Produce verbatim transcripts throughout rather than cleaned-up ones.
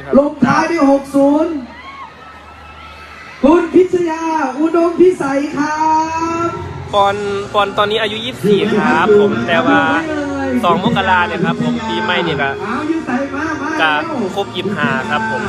ลงท้ายด้วยหกศูนย์คุณพิชยาอุดมพิสัยครับปอนปอนตอนนี้อายุยี่สิบสี่ครับผมแต่ว่าสองมกราเนี่ยครับผมปีใหม่เนี่ยก็กะครบยี่สิบห้าครับผม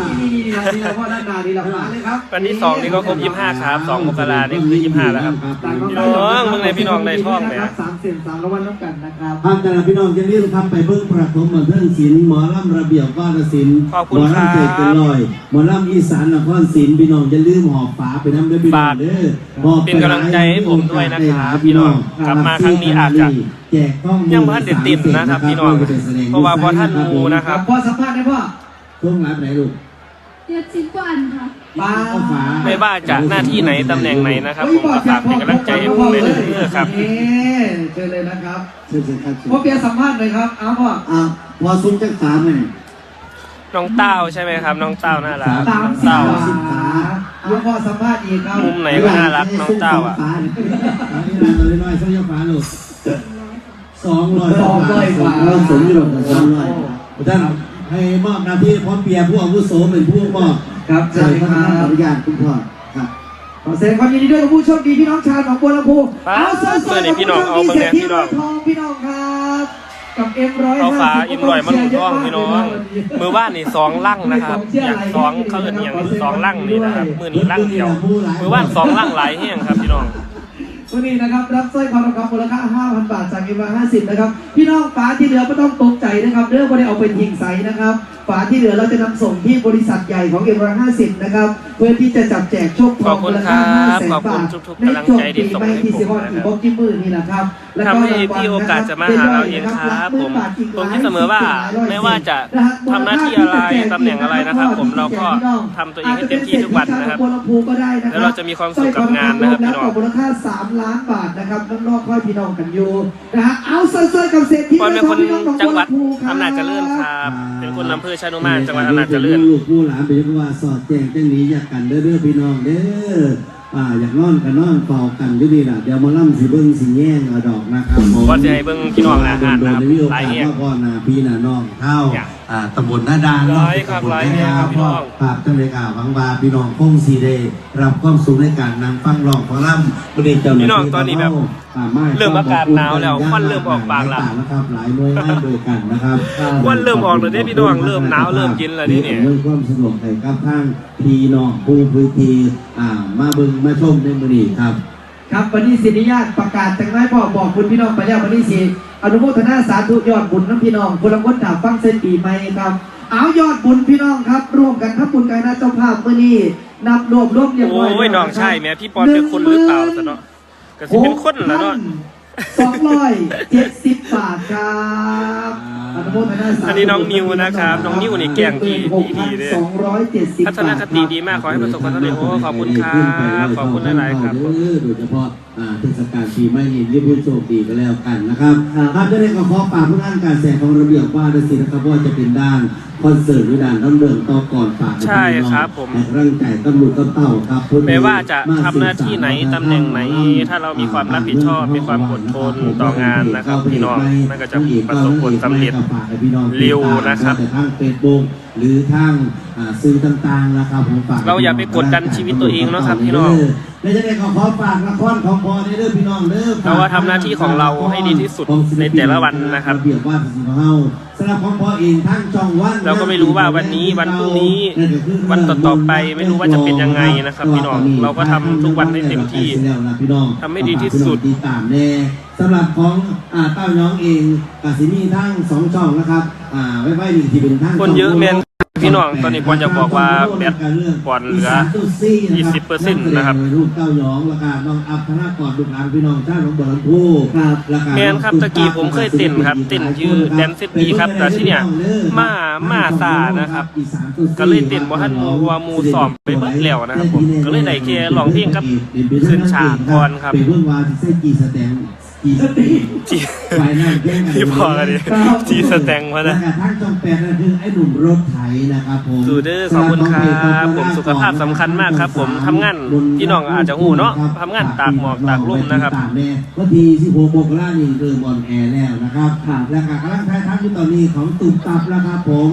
วันที่สองนี่ก็ครบยี่สิบห้าครับสองมกราเนี่ยคือยี่สิบห้าแล้วครับพี่น้องมึงในพี่น้องในท้องเลยสามเสียงสามรางวัลน้ำกันนะครับท่านแต่ละพี่น้องจะเรียกทำไปเบิ่งประถมบันเทิงศิลป์หมอลำระเบียบวาทศิลป์หมอลำเจ็ดเป็นลอยหมอลำอีสานนครศิลป์พี่น้องจะลืมหอบฝาไปน้ำด้วยพี่น้องเด้อหอบเป็นกำลังใจให้ผมด้วยนะครับพี่น้องกลับมาครั้งนี้อาจจะยังพันเด็ดติดนะครับพี่น้องเพราะว่าพอท่านดูนะครับพ่อสัมภาษณ์ได้พ่อช่วงรับไหนลูกเจ็ดสิบกว่าอันค่ะไม่ว่าจะหน้าที่ไหนตำแหน่งไหนนะครับผมก็ฝากเป็นกำลังใจให้ผมเลยนะครับเชิญเลยนะครับพ่อเปียสัมภาษณ์เลยครับเอาพ่ออ่าพอซุ้มจักสามเลยน้องเต้าใช่ไหมครับน้องเต้าน่ารักน้องเต้าเอาพ่อสัมภาษณ์อีกครับมุมไหนก็น่ารักน้องเต้าอ่ะนี่นานเลยน้อยสักยกฟ้าลูกสองร้อยสองร้อยกว่าเราสมอยู่กับสองร้อยท่านให้มอบหน้าที่พร้อมเปียผู้อาวุโสเป็นผู้มอบครับเชิญครับอนุญาตคุณพ่อครับขอแสดงความยินดีด้วยกับผู้โชคดีพี่น้องชาวหนองบัวลำพูเอาเสื้อเสื้อนี่พี่น้องเอามาแน่พี่น้องทองพี่น้องครับกับเอ็มร้อยเอาฟ้าอิมรอยมันหลุดท้องพี่น้องมือบ้านนี่สองลั่งนะครับอย่างสองเขาเอิ้นอย่างสองลั่งนี่นะครับมือนี่ลั่งเดียวมือบ้านสองลั่งหลายแห้งครับพี่น้องวันนี้นะครับรับสร้อยคอทองคำมูลค่า ห้าพัน บาทจากเอ็มร้อยห้าสิบนะครับพี่น้องฝาที่เหลือไม่ต้องตกใจนะครับเรื่องไม่ได้เอาเป็นยิงใสนะครับฝาที่เหลือเราจะนำส่งที่บริษัทใหญ่ของเอ็มร้อยห้าสิบนะครับเพื่อที่จะจับแจกโชคทองมูลค่า ห้าแสน บาทในช่วงปีใหม่ที่สิบวันอีกบกี่มือนี่แหละครับทำให้พี่โอกาสจะมาหาเราเองครับผมผมคิดเสมอว่าไม่ว่าจะทำหน้าที่อะไรตำแหน่งอะไรนะครับผมเราก็ทำตัวเองให้เต็มที่ทุกวันนะครับแล้วเราจะมีความสุขกับงานนะครับพี่น้องมูลค่าสามล้านบาทนะครับนอกๆค่อยพี่น้องกันอยู่นะฮะเอาเซอร์ๆกับเศรษฐีปอนเป็นคนจังหวัดอำนาจเจริญครับเป็นคนอำเภอชานุมานจังหวัดอำนาจเจริญลูกผู้หลานเป็นว่าสอดแจ้งจังนี้อยากกันเด้อพี่น้องเด้ออ่าอยากนอนกันนอนเฝ้ากันอยู่ดีล่ะเดี๋ยวมาล่ำสิเบิ้งสิแย่งเอาดอกนะครับผมก็จะให้เบิ้งพี่น้องอาหารนะครับหลายแห่งพ่อนาพี่นาน้องเท่าอ่าตำบลหน้าดานร้อยครับหลายแห่งครับพี่น้องภาพจังเลยอ่าวังวาพี่น้องคงสีเดรับความสุขในการนำฟังร้องฟังล่ำประเด็นเจ้าหน้าที่พี่น้องตอนนี้แบบเริ่มอากาศหนาวแล้วควันเริ่มออกบางแล้วนะครับหลายหน่วยงานด้วยกันนะครับควันเริ่มออกเลยเนี่ยพี่น้องเริ่มหนาวเริ่มเย็นแล้วนี่เนี่ยเรื่องความสะดวกในกับทางพี่น้องผู้พื้นที่อ่ามาเบิ่งมาชมในมื้อนี้ครับครับวันนี้สิริญาติประกาศจากนายพ่อบอกคุณพี่น้องไปแล้ววันนี้สิอนุโมทนาสาธุยอดบุญน้ำพี่น้องคนละคนถามฟังเส้นปีใหม่ครับเอายอดบุญพี่น้องครับร่วมกันทับบุญกายนาเจ้าภาพมื้อนี้นับรวบรวมเรียบร้อยโอ้ยน้องใช่แม่พี่ปอนเป็นคนหรือเปล่าซะเนาะก็สิเป็นคนแล้วเนาะสองร้อยเจ็ดสิบบาทครับอนุโมทนาสาธุอันนี้น้องนิวนะครับน้องนิวนี่แกงดีดีเลยทัศนคติดีมากขอให้ประสบความสำเร็จโอ้ขอบคุณครับขอบคุณหลายๆครับโดยเฉพาะเทศกาลปีใหม่นี้รีบพูดโชคดีก็แล้วกันนะครับครับจะได้ขอขอฝากผู้งานการแสดงของระเบียบว่าด้วยสินะครับว่าจะเป็นด้านคอนเสิร์ตหรือด้านต้องเดินต่อก่อนฝากใช่ครับผมร่างกายตำรวจเต่าครับไม่ว่าจะทำหน้าที่ไหนตำแหน่งไหนถ้าเรามีความรับผิดชอบมีความอดทนต่องานนะครับพี่น้องมันก็จะประสบผลสำเร็จเร็วนะครับทางเฟซบุ๊กหรือทางสื่อต่างๆนะครับผมฝากเราอย่าไปกดดันชีวิตตัวเองนะครับพี่น้องและจะได้ขอขอฝากละครของพอในเรื่องพี่น้องเด้อเราว่าทำหน้าที่ของเราให้ดีที่สุดในแต่ละวันนะครับเบียบว่าสิ่งของเราสำหรับของพอเองทั้งช่องวันเราก็ไม่รู้ว่าวันนี้วันพรุ่งนี้วันต่อๆไปไม่รู้ว่าจะเป็นยังไงนะครับพี่น้องเราก็ทำทุกวันให้เต็มที่ทำให้ดีที่สุดติดตามแน่สำหรับของเต้าน้องเองกสิมีทั้งสองช่องนะครับไว้ไว้หนึ่งที่เป็นทั้งคนเยอะแมนพี่น้องตอนนี้ปอนจะบอกว่าแบตปอนเหลือ ยี่สิบเปอร์เซ็นต์ นะครับลูกเต้ายองราคาน้องอัพธนากรลูกหลานพี่น้องชาติของบัวลำพูครับแมนครับตะกี้ผมเคยเต้นครับเต้นยืดแดนเซตปีครับแต่ที่เนี่ยมามาซานะครับก็เลยเต้นบ่ทันมูว่ามูซ้อมไปเบิดแล้วนะครับผมก็เลยได้แค่ร้องเพลงกับขึ้นฉากก่อนครับเป็นเรื่องว่าที่เส้นกีสแตงจีสตีจีที่พอกันดิจีสแตงมานะทั้งจงแปดนั่นคือไอ้หนุ่มรถไถนะครับผมดูเด้อขอบคุณครับผมสุขภาพสำคัญมากครับผมทำงานพี่น้องอาจจะหูเนาะทำงานตากหมอกตากลมนะครับวันที่สิบหกมกราคมนี้เริ่มบอลแอร์แล้วนะครับและการกำลังถ่ายทำอยู่ตอนนี้ของตุ่มตับแล้วครับผม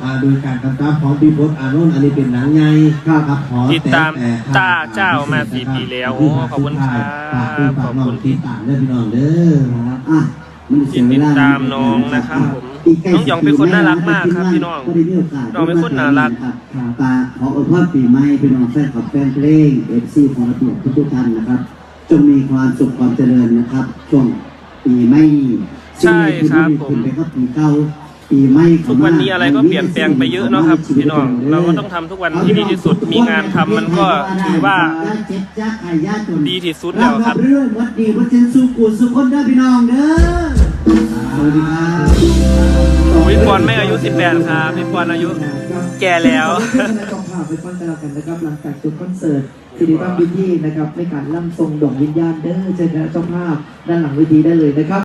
อ่าโดยการกำกับของพี่พจน์อานนท์อันนี้เป็นหนังใหญ่ครับขอติดตามตาเจ้ามาสี่ปีแล้วโอ้ขอบคุณครับฝากคุณฝากน้องติดตามเด้อพี่น้องเด้ออ่ะติดตามน้องนะครับผมน้องหยองเป็นคนน่ารักมากครับพี่น้องน้องเป็นคนน่ารักตาขออวยพรปีใหม่พี่น้องแฟนคลับแฟนเพลงเอฟซีของระเบียบทุกๆท่านนะครับจงมีความสุขความเจริญนะครับช่วงปีใหม่ใช่ครับผมไปก็ปีเก่าปีใหม่ทุกวันนี้อะไรก็เปลี่ยนแปลงไปเยอะเนาะครับพี่น้องเราก็ต้องทำทุกวันที่ดีที่สุดมีงานทำมันก็ถือว่าดีที่สุดแล้วครับเรื่องวัดดีวัดเจนสุกุสุคนได้พี่น้องเด้อสวัสดีครับพี่ปอนไม่อายุสิบแปดครับพี่ปอนอายุแก่แล้วจองภาพไปฟังกันแล้วกันนะครับหลังจากจบคอนเสิร์ตสิริตั้มวิธีนะครับในการล่ำทรงดอกวิญญาณเด้อเจอกันเจ้าภาพด้านหลังเวทีได้เลยนะครับ